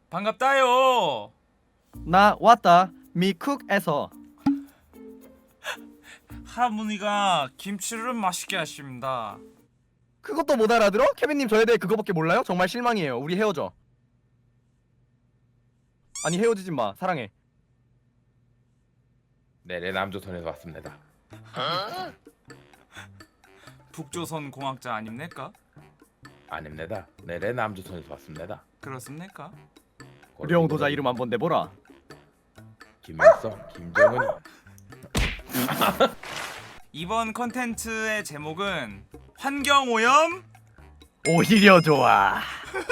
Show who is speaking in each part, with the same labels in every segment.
Speaker 1: 반갑다요.
Speaker 2: 나 왔다. 미쿡에서.
Speaker 1: 할머니가 김치를 맛있게 하십니다.
Speaker 2: 그것도 못 알아들어? 케빈님 저에 대해 그거밖에 몰라요? 정말 실망이에요. 우리 헤어져. 아니 헤어지지 마. 사랑해.
Speaker 3: 네, 레남조선에서 왔습니다.
Speaker 1: 북조선 공학자 아닙니까?
Speaker 3: 아닙니다. 네, 레남조선에서 왔습니다.
Speaker 1: 그렇습니까?
Speaker 2: 우리 형 도자 이름 한번 내보라.
Speaker 3: 김일성, 김정은.
Speaker 1: 이번 컨텐츠의 제목은 환경오염.
Speaker 2: 오히려 좋아.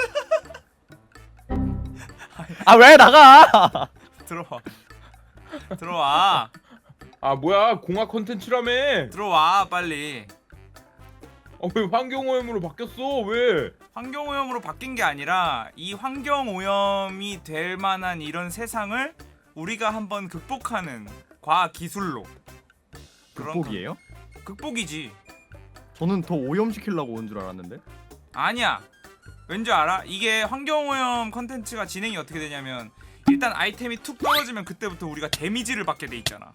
Speaker 2: 아 왜 나가?
Speaker 1: 들어와. 들어와.
Speaker 3: 아 뭐야, 공학 콘텐츠라며.
Speaker 1: 들어와 빨리.
Speaker 3: 왜 환경오염으로 바뀌었어? 왜?
Speaker 1: 환경오염으로 바뀐 게 아니라 이 환경오염이 될 만한 이런 세상을 우리가 한번 극복하는 과학 기술로. 그런
Speaker 2: 극복이에요?
Speaker 1: 극복이지.
Speaker 2: 저는 더 오염시키려고 온 줄 알았는데.
Speaker 1: 아니야. 왠지 알아? 이게 환경오염 컨텐츠가 진행이 어떻게 되냐면 일단 아이템이 툭 떨어지면 그때부터 우리가 데미지를 받게 돼 있잖아.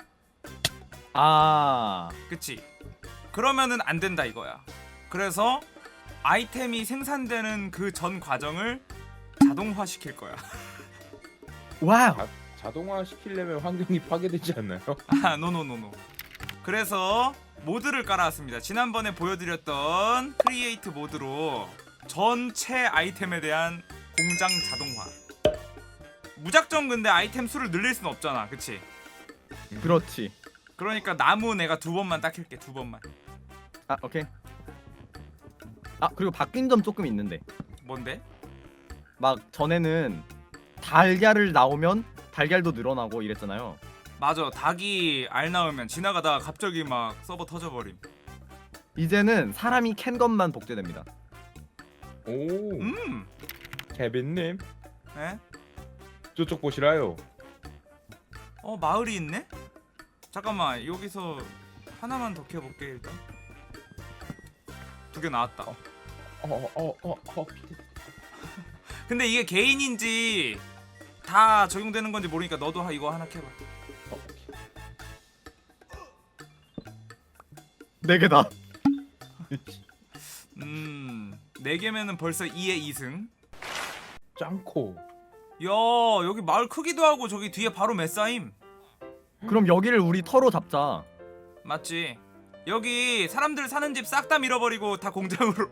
Speaker 2: 아
Speaker 1: 그치? 그러면은 안 된다 이거야. 그래서 아이템이 생산되는 그 전 과정을 자동화 시킬 거야.
Speaker 2: 와우.
Speaker 3: 자동화 시키려면 환경이 파괴되지 않나요?
Speaker 1: 아, 노노노노. 그래서 모드를 깔아왔습니다. 지난번에 보여드렸던 크리에이트 모드로 전체 아이템에 대한 공장 자동화. 무작정 근데 아이템 수를 늘릴 수는 없잖아, 그치?
Speaker 2: 그렇지.
Speaker 1: 그러니까 나무 내가 2번만 닦일게, 2번만.
Speaker 2: 아 오케이. 아 그리고 바뀐 점 조금 있는데.
Speaker 1: 뭔데?
Speaker 2: 막 전에는 달걀을 나오면 달걀도 늘어나고 이랬잖아요.
Speaker 1: 맞아, 닭이 알 낳으면 지나가다가 갑자기 막 서버 터져버림.
Speaker 2: 이제는 사람이 캔 것만 복제됩니다.
Speaker 3: 오, 케빈님
Speaker 1: 에?
Speaker 3: 저쪽 보시라요.
Speaker 1: 마을이 있네? 잠깐만, 여기서 하나만 더 캐볼게 일단. 2개 나왔다. 근데 이게 개인인지 다 적용되는 건지 모르니까 너도 이거 하나 캐봐.
Speaker 2: 4개다.
Speaker 1: 4개면은 벌써 2에 2승.
Speaker 3: 짱코.
Speaker 1: 야, 여기 마을 크기도 하고 저기 뒤에 바로 메싸임.
Speaker 2: 그럼 여기를 우리 터로 잡자.
Speaker 1: 맞지? 여기 사람들 사는 집 싹 다 밀어버리고 다 공장으로.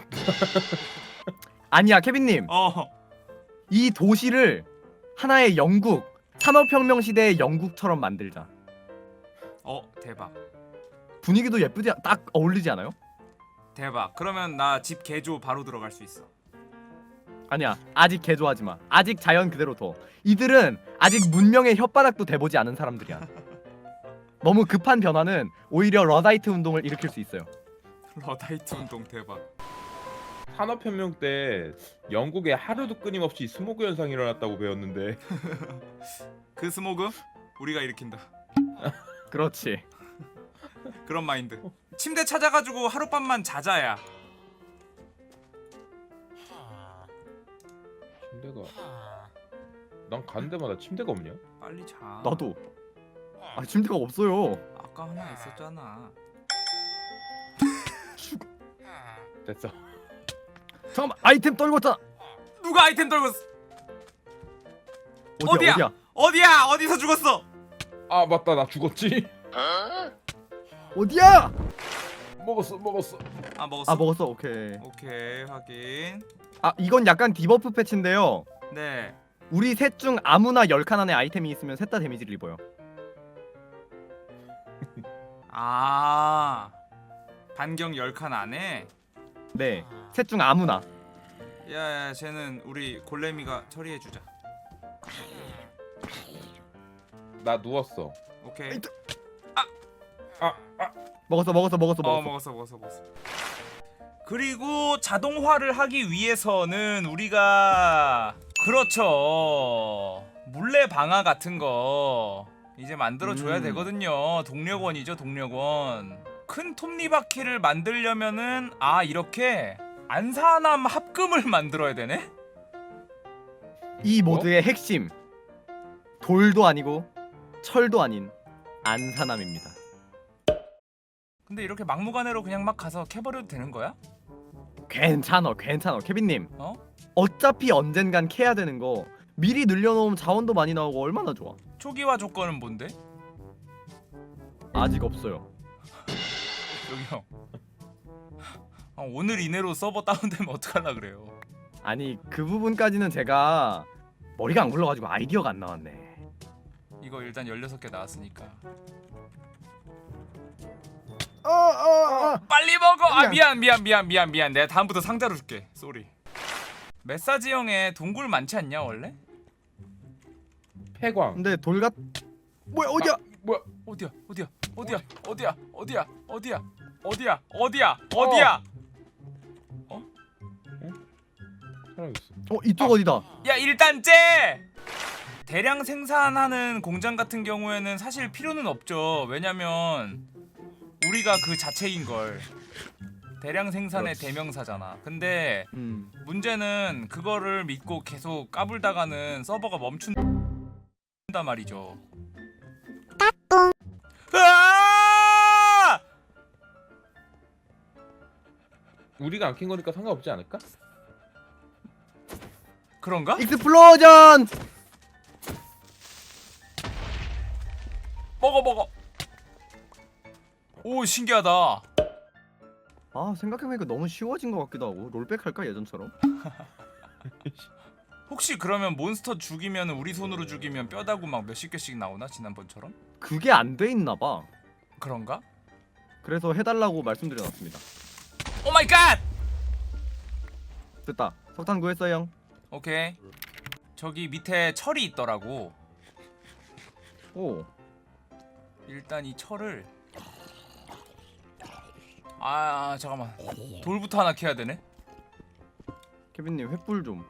Speaker 2: 아니야 케빈님. 이 도시를 하나의 영국, 산업혁명 시대의 영국처럼 만들자.
Speaker 1: 대박.
Speaker 2: 분위기도 예쁘지 딱 어울리지 않아요?
Speaker 1: 대박. 그러면 나 집 개조 바로 들어갈 수 있어.
Speaker 2: 아니야 아직 개조하지 마. 아직 자연 그대로 둬. 이들은 아직 문명의 혓바닥도 대보지 않은 사람들이야. 너무 급한 변화는 오히려 러다이트 운동을 일으킬 수 있어요.
Speaker 1: 러다이트 운동 대박.
Speaker 3: 산업혁명 때 영국에 하루도 끊임없이 스모그 현상이 일어났다고 배웠는데.
Speaker 1: 그 스모그 우리가 일으킨다.
Speaker 2: 그렇지.
Speaker 1: 그런 마인드. 침대 찾아가지고 하룻밤만 자자야.
Speaker 3: 침대가, 난 가는 데마다 침대가 없냐?
Speaker 1: 빨리 자.
Speaker 2: 나도. 아 침대가 없어요.
Speaker 1: 아까 하나 있었잖아.
Speaker 3: 됐어.
Speaker 2: 잠깐만 아이템 떨궜잖아.
Speaker 1: 누가 아이템 떨궜어?
Speaker 2: 어디야?
Speaker 1: 어디야?
Speaker 2: 어디야?
Speaker 1: 어디야? 어디서 죽었어?
Speaker 3: 아 맞다, 나 죽었지.
Speaker 2: 어디야?
Speaker 3: 먹었어.
Speaker 1: 아, 먹었어.
Speaker 2: 아 먹었어. 오케이.
Speaker 1: 오케이, 확인.
Speaker 2: 아 이건 약간 디버프 패치인데요.
Speaker 1: 네.
Speaker 2: 우리 셋 중 아무나 10칸 안에 아이템이 있으면 셋 다 데미지를 입어요.
Speaker 1: 아, 반경 10칸 안에.
Speaker 2: 네. 셋 중 아무나.
Speaker 1: 야, 쟤는 우리 골렘이가 처리해주자.
Speaker 3: 나 누웠어.
Speaker 1: 오케이.
Speaker 2: 먹었어.
Speaker 1: 먹었어. 그리고 자동화를 하기 위해서는 우리가 그렇죠, 물레 방아 같은 거 이제 만들어줘야 되거든요. 동력원이죠, 동력원. 큰 톱니바퀴를 만들려면은 이렇게 안산함 합금을 만들어야 되네?
Speaker 2: 이 모드의 핵심 돌도 아니고 철도 아닌 안산함입니다.
Speaker 1: 근데 이렇게 막무가내로 그냥 막 가서 캐버려도 되는 거야?
Speaker 2: 괜찮아 케빈님.
Speaker 1: 어?
Speaker 2: 어차피 언젠간 캐야 되는 거 미리 늘려놓으면 자원도 많이 나오고 얼마나 좋아.
Speaker 1: 초기화 조건은 뭔데?
Speaker 2: 아직 없어요.
Speaker 1: 여기요. 오늘 이내로 서버 다운되면 어떡하려 그래요?
Speaker 2: 아니 그 부분까지는 제가 머리가 안 굴러가지고 아이디어가 안 나왔네.
Speaker 1: 이거 일단 16개 나왔으니까 빨리 먹어! 아 미안 내가 다음부터 상자로 줄게. 쏘리. 메사지형에 동굴 많지 않냐 원래?
Speaker 3: 폐광.
Speaker 2: 근데 돌같 뭐야 어디야?
Speaker 3: 뭐야?
Speaker 1: 어디야?
Speaker 3: 사라졌어.
Speaker 2: 이쪽 어디다?
Speaker 1: 야 일단 째! 대량 생산하는 공장 같은 경우에는 사실 필요는 없죠. 왜냐면 우리가 그 자체인 걸. 대량 생산의
Speaker 3: 그렇지.
Speaker 1: 대명사잖아. 근데 문제는 그거를 믿고 계속 까불다가는 서버가 멈춘단 말이죠. 으아!
Speaker 3: 우리가 안 캔 거니까 상관없지 않을까?
Speaker 1: 그런가?
Speaker 2: 익스플로전!
Speaker 1: 먹어. 오 신기하다.
Speaker 2: 아 생각해보니까 너무 쉬워진 것 같기도 하고. 롤백 할까 예전처럼?
Speaker 1: 혹시 그러면 몬스터 죽이면 우리 손으로 죽이면 뼈다구 막 몇십 개씩 나오나 지난번처럼?
Speaker 2: 그게 안 돼 있나봐.
Speaker 1: 그런가?
Speaker 2: 그래서 해달라고 말씀드려놨습니다.
Speaker 1: 오 마이 갓!
Speaker 2: 됐다. 석탄 구했어요 형.
Speaker 1: 오케이. 저기 밑에 철이 있더라고.
Speaker 2: 오.
Speaker 1: 일단 이 철을 잠깐만. 돌부터 하나 캐야 되네.
Speaker 2: 케빈님 횃불 좀.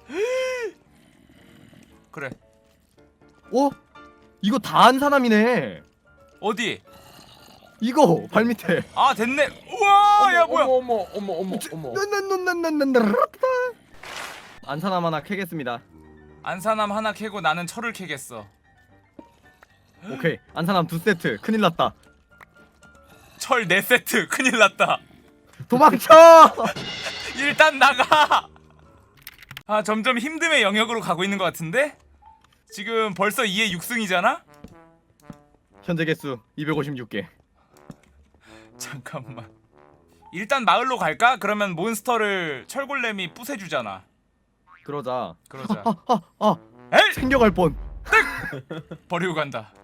Speaker 1: 그래.
Speaker 2: 이거 다 안산함이네.
Speaker 1: 어디?
Speaker 2: 이거 발밑에.
Speaker 1: 아 됐네. 우와 야 뭐야?
Speaker 3: 어머.
Speaker 2: 안산함 하나 캐겠습니다.
Speaker 1: 안산함 하나 캐고 나는 철을 캐겠어.
Speaker 2: 오케이. 안산함 2세트. 큰일 났다.
Speaker 1: 철 4세트. 큰일 났다.
Speaker 2: 도망쳐!
Speaker 1: 일단 나가. 점점 힘듦의 영역으로 가고 있는 것 같은데? 지금 벌써 2에 6승이잖아?
Speaker 2: 현재 개수 256개.
Speaker 1: 잠깐만. 일단 마을로 갈까? 그러면 몬스터를 철골렘이 부숴주잖아.
Speaker 2: 그러자.
Speaker 1: 그러자. 에이!
Speaker 2: 챙겨갈 뻔.
Speaker 1: 버리고 간다.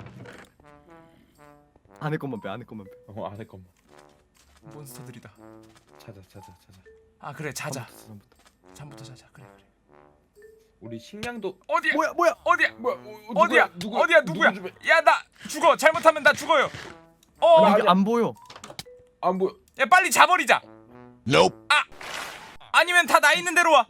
Speaker 2: 안에 것만 빼.
Speaker 3: 안에 것만.
Speaker 1: 몬스터들이다.
Speaker 3: 찾아.
Speaker 1: 아 그래 자자.
Speaker 2: 처음부터.
Speaker 1: 잠부터 자자. 그래.
Speaker 3: 우리 식량도
Speaker 1: 어디야?
Speaker 2: 뭐야?
Speaker 1: 어디야?
Speaker 3: 어디야?
Speaker 1: 누구야? 야 나 죽어. 잘못하면 나 죽어요.
Speaker 2: 이게 안 보여.
Speaker 3: 안 보여.
Speaker 1: 야 빨리 자버리자. 아니면 다 나 있는 대로 와.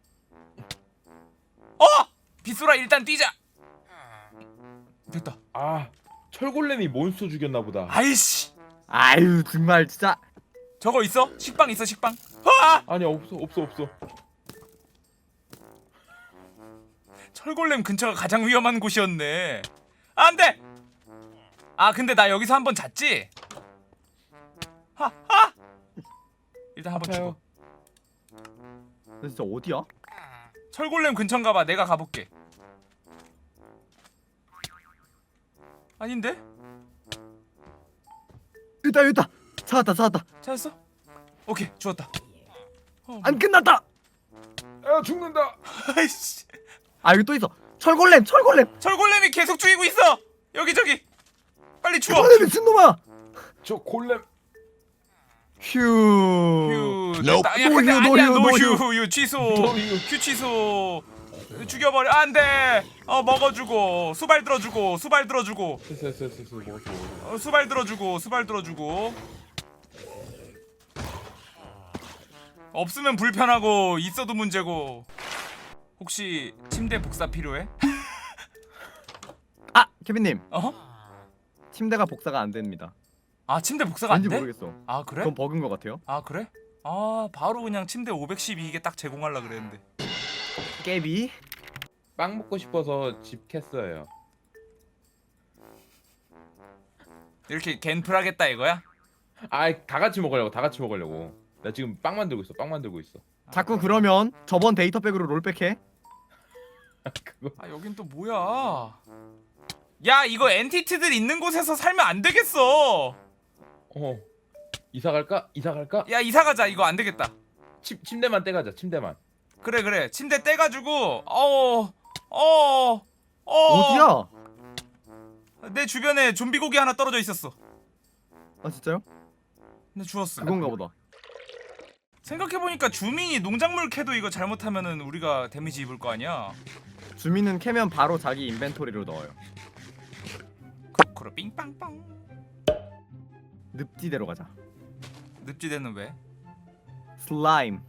Speaker 1: 빗소라 일단 뛰자. 됐다.
Speaker 3: 철골렘이 몬스터 죽였나 보다.
Speaker 1: 아이씨.
Speaker 2: 아유 정말 진짜.
Speaker 1: 저거 있어? 식빵 있어 식빵.
Speaker 3: 아니 없어.
Speaker 1: 철골렘 근처가 가장 위험한 곳이었네. 안돼. 근데 나 여기서 한번 잤지. 일단 한번
Speaker 3: 아파요.
Speaker 1: 죽어.
Speaker 2: 너 진짜 어디야?
Speaker 1: 철골렘 근처인가 봐. 내가 가볼게. 아닌데?
Speaker 2: 여기다. 찾았다.
Speaker 1: 찾았어? 오케이 좋았다.
Speaker 2: 안 끝났다.
Speaker 3: 야 죽는다.
Speaker 1: 아이씨.
Speaker 2: 여기 또 있어. 철골렘.
Speaker 1: 철골렘이 계속 죽이고 있어. 여기저기. 빨리 죽어.
Speaker 2: 미친놈아.
Speaker 3: 저 골렘.
Speaker 2: 휴.
Speaker 1: 됐다. 야 근데 아니야.
Speaker 2: 노휴.
Speaker 1: 노휴 취소.
Speaker 3: 노휴.
Speaker 1: 휴 취소. 죽여버려. 안돼. 먹어주고 수발 들어주고
Speaker 3: 됐어. 먹었어.
Speaker 1: 수발 들어주고 없으면 불편하고 있어도 문제고. 혹시 침대 복사 필요해?
Speaker 2: 케빈님. 침대가 복사가 안 됩니다.
Speaker 1: 침대 복사가 안
Speaker 2: 왠지
Speaker 1: 돼?
Speaker 2: 모르겠어.
Speaker 1: 그래?
Speaker 2: 그건 버그인 것 같아요.
Speaker 1: 그래? 바로 그냥 침대 512개 딱 제공하려 그랬는데.
Speaker 2: 깨비.
Speaker 3: 빵 먹고 싶어서 집 캤어요.
Speaker 1: 이렇게 갠플 하겠다 이거야?
Speaker 3: 다 같이 먹으려고, 다 같이 먹으려고. 나 지금 빵 만들고 있어, 빵 만들고 있어.
Speaker 2: 자꾸 그러면 저번 데이터백으로 롤백해.
Speaker 3: 그거
Speaker 1: 아 여긴 또 뭐야? 야 이거 엔티티들 있는 곳에서 살면 안 되겠어.
Speaker 3: 이사 갈까? 이사 갈까?
Speaker 1: 야 이사 가자. 이거 안 되겠다.
Speaker 3: 침대만 떼가자, 침대만.
Speaker 1: 그래 침대 떼가지고
Speaker 2: 어디야?
Speaker 1: 내 주변에 좀비 고기 하나 떨어져 있었어.
Speaker 2: 아 진짜요?
Speaker 1: 근데 주웠어.
Speaker 2: 그건가 보다.
Speaker 1: 생각해보니까 주민이 농작물 캐도 이거 잘못하면은 우리가 데미지 입을 거 아니야.
Speaker 2: 주민은 캐면 바로 자기 인벤토리로 넣어요.
Speaker 1: 크로크로 삥빵빵.
Speaker 2: 늪지대로 가자.
Speaker 1: 늪지대는 왜?
Speaker 2: 슬라임.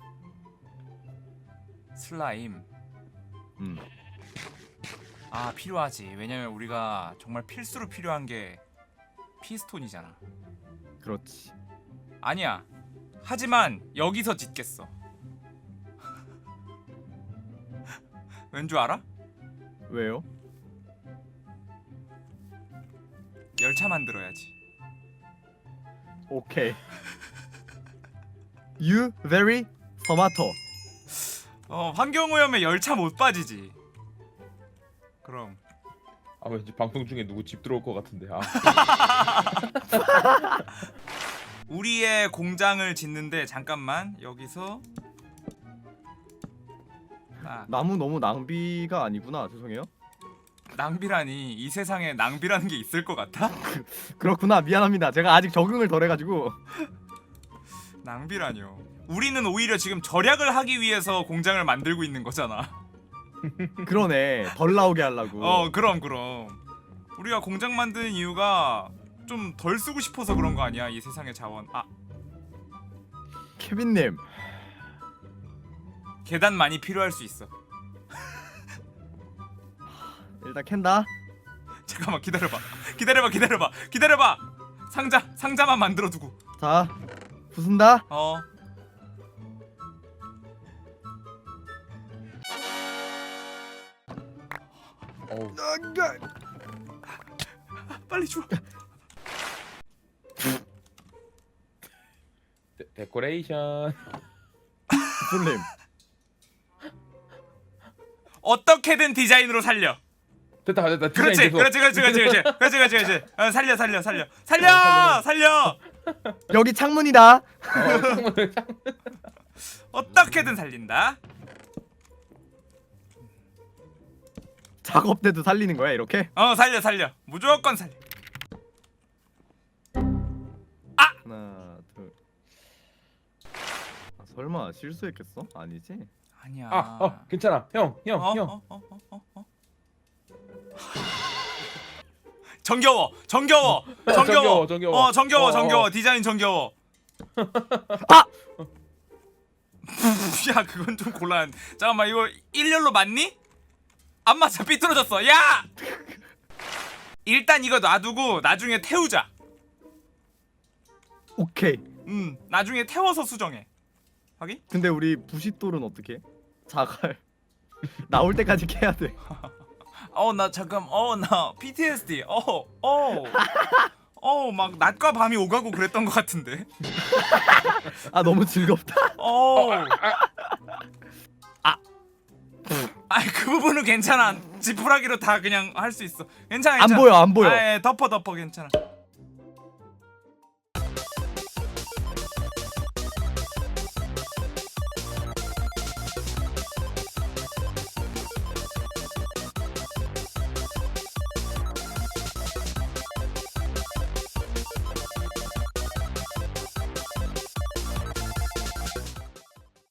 Speaker 1: 슬라임.
Speaker 2: 음.
Speaker 1: 아 필요하지. 왜냐면 우리가 정말 필수로 필요한 게 피스톤이잖아.
Speaker 2: 그렇지.
Speaker 1: 아니야. 하지만 여기서 짓겠어. 왠 줄 알아?
Speaker 2: 왜요?
Speaker 1: 열차 만들어야지.
Speaker 2: 오케이. You very tomato.
Speaker 1: 환경오염에 열차 못 빠지지. 그럼
Speaker 3: 왠지 방송 중에 누구 집 들어올 것 같은데.
Speaker 1: 우리의 공장을 짓는데 잠깐만 여기서
Speaker 2: 나무 너무 낭비가 아니구나. 죄송해요.
Speaker 1: 낭비라니. 이 세상에 낭비라는 게 있을 것 같아?
Speaker 2: 그렇구나. 미안합니다. 제가 아직 적응을 덜 해가지고.
Speaker 1: 낭비라뇨. 우리는 오히려 지금 절약을 하기 위해서 공장을 만들고 있는 거잖아.
Speaker 2: 그러네. 덜 나오게 하려고.
Speaker 1: 그럼 우리가 공장 만드는 이유가 좀 덜 쓰고 싶어서 그런 거 아니야? 이 세상의 자원.
Speaker 2: 케빈님.
Speaker 1: 계단 많이 필요할 수 있어.
Speaker 2: 일단 캔다.
Speaker 1: 잠깐만 기다려봐. 상자만 만들어 두고.
Speaker 2: 자, 부순다.
Speaker 1: 빨리 줘.
Speaker 3: 데코레이션.
Speaker 2: 부순님.
Speaker 1: 어떻게든 디자인으로 살려.
Speaker 3: 됐다.
Speaker 1: 그렇지. 살려.
Speaker 2: 여기 창문이다.
Speaker 1: 어떻게든 살린다.
Speaker 2: 작업 때도 살리는 거야 이렇게?
Speaker 1: 살려. 무조건 살려.
Speaker 2: 하나, 둘. 설마 실수했겠어? 아니지?
Speaker 1: 아니야.
Speaker 3: 괜찮아. 형.
Speaker 1: 정겨워.
Speaker 3: 정겨워.
Speaker 1: 디자인 정겨워. 야, 그건 좀 곤란. 잠깐만, 이거 일렬로 맞니? 안 맞아, 삐뚤어졌어. 야! 일단 이거 놔두고 나중에 태우자.
Speaker 2: 오케이.
Speaker 1: 나중에 태워서 수정해. 확인?
Speaker 2: 근데 우리 부싯돌은 어떻게 해? 자갈 나올 때까지 캐야 돼.
Speaker 1: 나 잠깐. 나 PTSD. 막 낮과 밤이 오가고 그랬던 것 같은데.
Speaker 2: 아 너무 즐겁다.
Speaker 1: 그 부분은 괜찮아. 지푸라기로 다 그냥 할 수 있어. 괜찮아.
Speaker 2: 안 보여.
Speaker 1: 덮어 괜찮아.